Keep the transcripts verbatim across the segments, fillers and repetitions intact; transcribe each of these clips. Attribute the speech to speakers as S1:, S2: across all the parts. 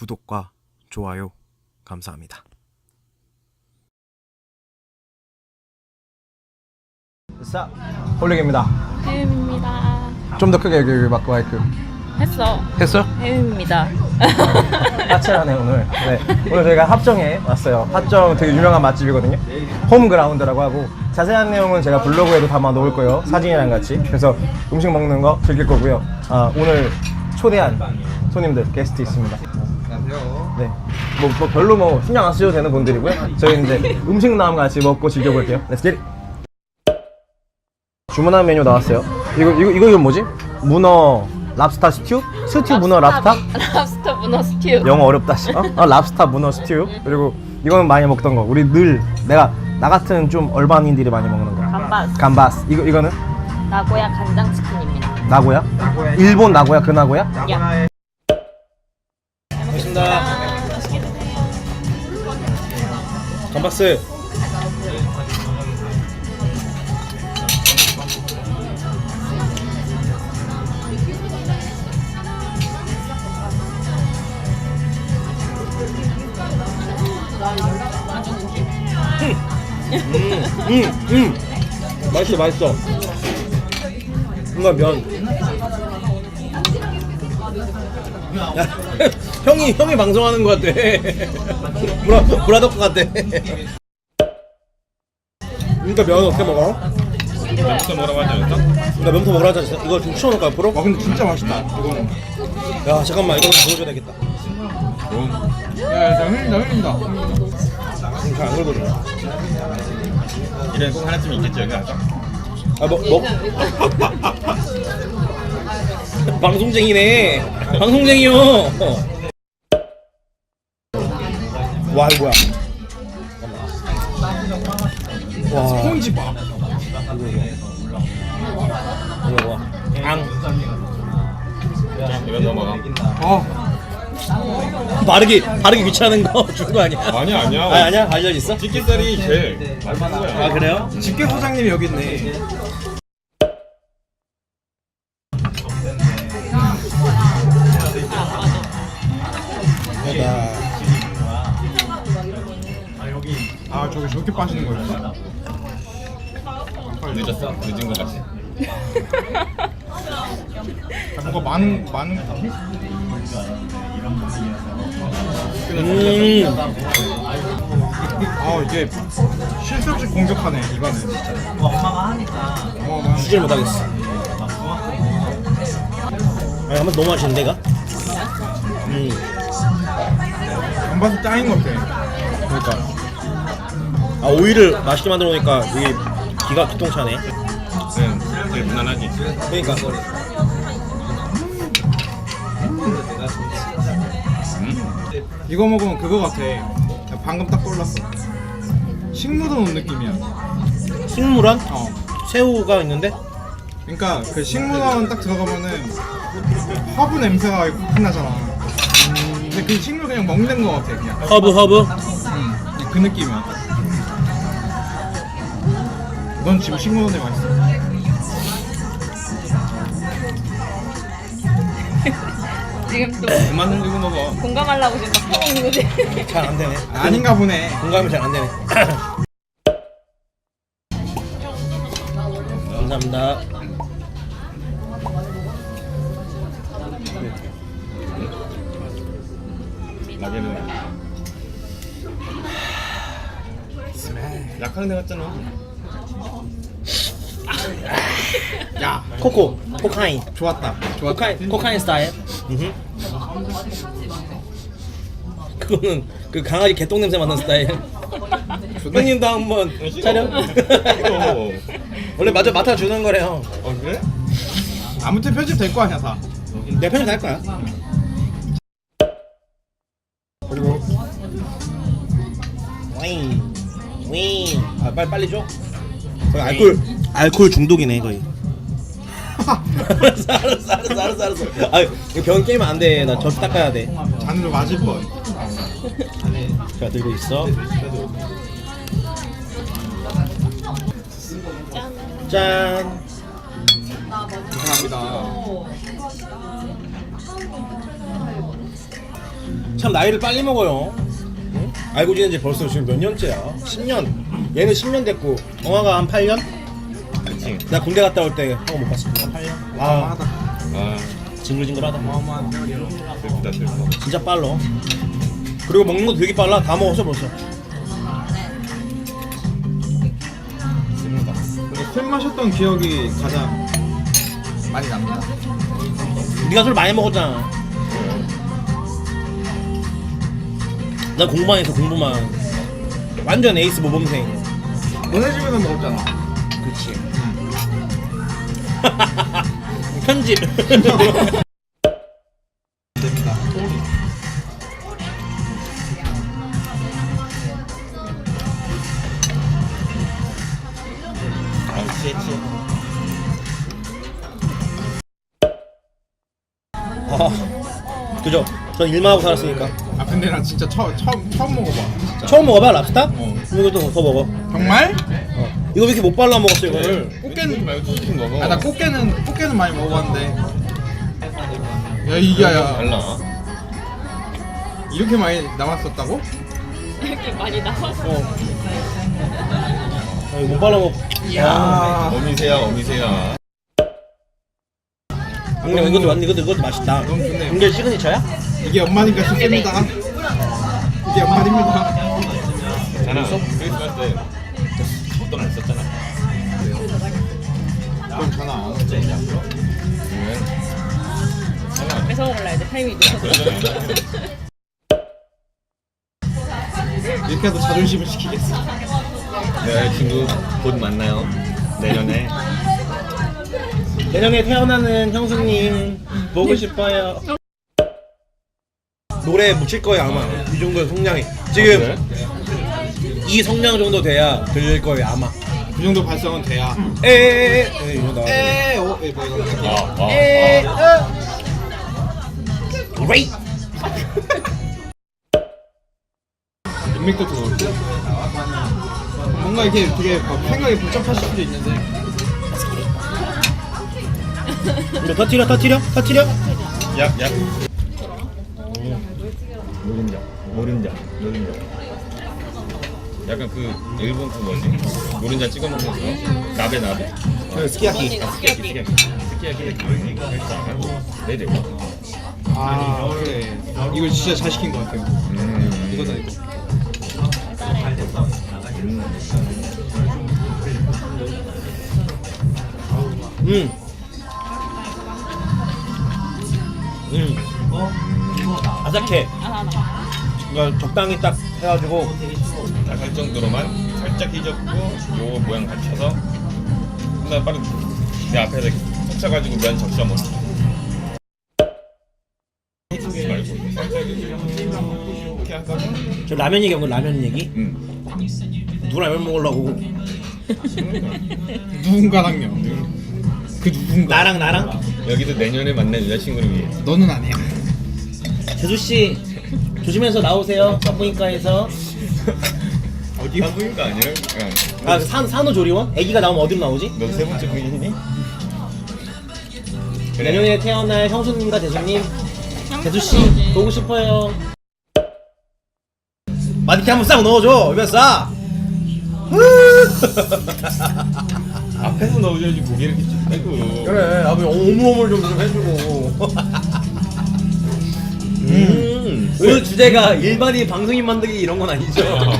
S1: 구독과 좋아요 감사합니다.
S2: 자, 홀릭입니다.
S3: 혜윤입니다.
S2: 좀 더 크게 여기, 여기 마크 마이크.
S3: 했어.
S2: 했어요?
S3: 혜윤입니다.
S2: 까칠하네 오늘. 네, 오늘 저희가 합정에 왔어요. 합정 되게 유명한 맛집이거든요. 홈그라운드라고 하고 자세한 내용은 제가 블로그에도 담아 놓을 거예요. 사진이랑 같이. 그래서 음식 먹는 거 즐길 거고요. 아, 오늘 초대한 손님들 게스트 있습니다.
S4: 안녕하세요.
S2: 네, 뭐, 뭐 별로 뭐 신경 안 쓰셔도 되는 분들이고요. 저희 이제 음식 나오면 같이 먹고 즐겨볼게요. Let's get it. 주문한 메뉴 나왔어요. 이거 이거 이거 이건 뭐지? 문어 랍스타 스튜? 스튜 문어 랍스타?
S3: 랍스터 문어 스튜.
S2: 영어 어렵다. 씨. 어? 어, 랍스타 문어 스튜. 그리고 이거는 많이 먹던 거. 우리 늘 내가 나 같은 좀 얼반인들이 많이 먹는 거.
S3: 감바스.
S2: 감바스. 이거 이거는
S3: 나고야 간장 치킨입니다.
S2: 나고야?
S4: 나고야.
S2: 일본 나고야 그 나고야?
S3: 야.
S2: 고맙습니다. 감바스. 음, 음, 음. 맛있어, 맛있어. 뭔가 면. 야, 형이 형이 방송하는 것 같아. 브라 브라더커 같아. 그러니까 면 어떻게 먹어?
S4: 면부터 뭐라고 하지 않았어?
S2: 나 면부터 먹으라 하지 않았어? 이거 좀 치워놓을까 앞으로?
S4: 와 근데 진짜 맛있다. 이거는.
S2: 야 잠깐만 이거 보여줘야 되겠다.
S4: 야, 나 흘린다, 흘린다.
S2: 지금 잘안 걸거든요.
S4: 이래 꼭 하나쯤 있겠지 여기 아까.
S2: 아뭐 먹. 방송쟁이네. 방송쟁이요. 와 이거 뭐야? 와.
S4: 스폰지밥.
S2: 이거 봐. 앙.
S4: 이거 넣어 먹어. 아,
S2: 바르기 바르기 귀찮은 거 준 거 아니야?
S4: 아니야 아니야.
S2: 아 아니야 알려 있어?
S4: 집게살이 제일 맛있는 거야.
S2: 아 그래요?
S4: 집게 소장님이 여기 있네. 아 저기 저렇게 빠지는 거였어? 늦었어? 늦은 거 같지? 아, 뭔가 많은 많은
S2: 음.
S4: 아 이게 실수 없이 공격하네 이거는 어마어마한
S2: 주질 못하겠어. 아니 한번 너무 맛있는데 이거? 음.
S4: 감바스 짱인 것 같아.
S2: 그러니까. 아 오이를 맛있게 만들어 놓으니까 이게 기가 기통차네.
S4: 응, 되게 무난하지.
S2: 그러니까.
S4: 이거 먹으면 그거 같아. 나 방금 딱 떠올랐어. 식무도 온 느낌이야.
S2: 식물원?
S4: 어.
S2: 새우가 있는데?
S4: 그러니까 그 식물원 딱 들어가면은 허브 냄새가 확 나잖아. 근데 그 식물 그냥 먹는 거 같아 그냥.
S2: 허브 허브?
S4: 응, 그냥 그 느낌이야. 넌 지금 식물원에 와 있어.
S3: 지금 또
S4: 그만 흘리고 먹어.
S3: 공감하려고 지금 막 퍼먹는 거지.
S2: 잘 안 되네.
S4: 아닌가 보네.
S2: 공감이 잘 안 되네. 감사합니다.
S4: 나게는 약하는 애 같잖아. 야,
S2: 코코, 코카인.
S4: 좋았다. 좋았다.
S2: 코카인, 코카인 스타일. 음흠. 그거는 그 강아지 개똥 냄새 맡는 스타일. 형님도 한번 촬영. 원래 마저 맡아주는 거래요.
S4: 어 그래? 아무튼 편집 될 거 아니야 다.
S2: 내 편집 할 거야.
S4: 그리고
S2: 와인, 와인. 아 빨리 빨리 줘. 거의 알콜 알콜 중독이네 거의. 알았어 알았어 알았어 알았어 알았어. 아 이거 병 깨면 안 돼. 나 접시 닦아야 돼.
S4: 잔으로 맞을 뻔.
S2: 자 들고 있어. 짠.
S4: 감사합니다.
S2: 참 나이를 빨리 먹어요. 응? 알고 지낸 지 벌써 지금 몇 년째야? 십 년. 얘는 십 년 됐고 영화가 한 팔 년?
S5: 그치.
S2: 나 군대 갔다 올 때 하고 못 봤습니다. 팔 년? 아,
S4: 어마어마하다.
S5: 아,
S2: 징글징글하다.
S4: 어마어마한 세월이야.
S5: 슬프다 슬퍼.
S2: 진짜 빨라. 그리고 먹는 것도 되게 빨라. 다 먹었어 벌써.
S5: 씁니다.
S4: 근데 술 마셨던 기억이 가장 많이 납니다.
S2: 네가 술 많이 먹었잖아. 난 공부만 해서 공부만. 완전 에이스 모범생.
S4: 너네 집에서 먹었잖아.
S2: 그렇지. 편집.
S4: 됩니다.
S5: 아, 취해 취해.
S2: 아, 그죠? 전 일만 하고 살았으니까.
S4: 아 근데 나 진짜 처, 처음 처음 먹어봐. 진짜.
S2: 처음 먹어봐 랍스타?
S4: 어.
S2: 이것도 더 먹어.
S4: 정말?
S2: 어. 이거 왜 이렇게 못 발라 먹었어 이거를?
S4: 꽃게는
S5: 말고 치킨 먹어.
S4: 아 나 꽃게는 꽃게는 많이 먹어봤는데. 야 이게야
S5: 달라.
S4: 이렇게 많이 남았었다고?
S3: 이렇게 많이 나와서.
S2: 어. 아, 이거 못 발라 먹.
S4: 이야.
S5: 어미새야 어미새야.
S2: 근데 이것도 완 이것도 이것도 맛있다.
S4: 너무 좋네요.
S2: 이게 시그니처야?
S4: 이게 엄마니까 싶습니다. 이게 엄마입니다.
S5: 자나 크리스마스 때 어떤 안 썼잖아.
S4: 그럼 전화 안 왔지.
S5: 왜? 자나.
S3: 뺏어 먹을라 이제 타이밍이 늦어서.
S4: 이렇게 해도 자존심을 지키겠어.
S5: 내 친구 곧 만나요. 내년에.
S2: 내년에 태어나는 형수님 보고 싶어요. 노래 묻힐 거예요 아마. 이 정도의 성량이. 지금 이 성량 정도 돼야 들릴 거예요 아마.
S4: 그 정도 발성은 돼야.
S2: 에에에 에 이거 나와.
S4: 에에 오, 에 뭐 이거.
S5: 아, 아,
S2: 에에
S5: 아.
S2: 그레이.
S4: 인맥도 들어올고. 뭔가 이렇게 되게 막 생각이 복잡하실 수도 있는데.
S2: 이거 터트려 터트려 터트려.
S5: 약, 약. 노른자, 노른자, 노른자. 약간 그 일본 그 뭐지? 노른자 찍어 먹는 거. 나베 나베.
S2: 그 스키야키.
S5: 아, 스키야키, 스키야키. 스키야키. 네네.
S4: 아 그래. 이거 진짜 잘 시킨 것 같아요.
S5: 음,
S4: 이거다 이거.
S2: 음. 음. 아삭해.
S3: 아,
S2: 그러니까 적당히 딱 해가지고.
S5: 딱 할 정도로만 살짝 휘젓고 요 모양 갖춰서 그다음 바로 내 앞에서 섞어가지고 면 적셔 먹기. 말고 살짝 이렇게 하다가
S2: 저 라면 얘기한 거 라면 얘기?
S5: 음.
S2: 누구 라면 먹으려고?
S4: 누군가랑요. 그 누군가.
S2: 나랑 나랑?
S5: 여기도 내년에 만날 여자친구를 위해.
S4: 너는 아니야.
S2: 재수 씨 조심해서 나오세요. 산부인과에서.
S5: 어디 한국인가 아니야? 그냥
S2: 아, 그 산 산후조리원? 아기가 나오면 어디로 나오지?
S5: 너 세 번째 부인이니? 그래.
S2: 내년에 태어날 형수님과 재수님, 재수 씨 보고 싶어요. 마디키 한번 싹 넣어줘. 이면 싸.
S5: 앞에서 넣어줘야지 고개를 이렇게 쭉 빼고.
S2: 그래. 아버지 오물오물 좀 좀 해주고. 음. 오늘 주제가 일반인 방송인 만들기 이런 건 아니죠?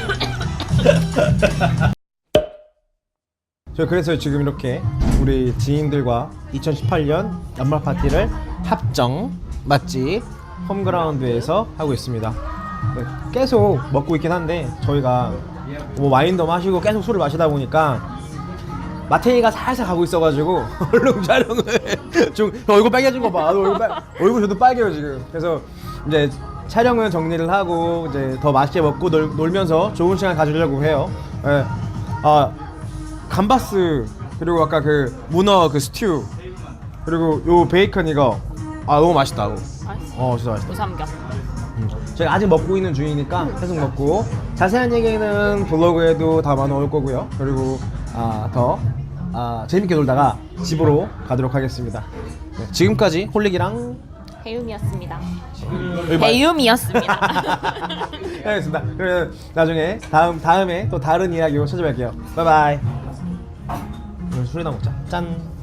S2: 저 그래서 지금 이렇게 우리 지인들과 이천십팔 년 연말 파티를 합정 맛집 홈그라운드에서 하고 있습니다. 네, 계속 먹고 있긴 한데 저희가 뭐 와인도 마시고 계속 술을 마시다 보니까 마태이가 살살 가고 있어가지고 얼른 촬영을 좀 얼굴 빨개진 거 봐. 얼굴 빨 얼굴 저도 빨개요 지금. 그래서 이제 촬영은 정리를 하고 이제 더 맛있게 먹고 놀, 놀면서 좋은 시간 가지려고 해요. 예. 아 감바스 그리고 아까 그 문어 그 스튜 그리고 요 베이컨 이거 아 너무 맛있다.
S3: 맛있어.
S2: 어 진짜 맛있다.
S3: 우삼겹.
S2: 제가 아직 먹고 있는 중이니까 계속 먹고 자세한 얘기는 블로그에도 담아 놓을 거고요. 그리고 아, 더 아, 재밌게 놀다가 집으로 가도록 하겠습니다. 네, 지금까지 홀릭이랑
S3: 배움이었습니다.
S2: 여기 말-
S3: 배움이었습니다.
S2: 알겠습니다. 그러면 나중에 다음 다음에 또 다른 이야기로 찾아뵐게요. 바이바이. 오늘 술이나 먹자. 짠.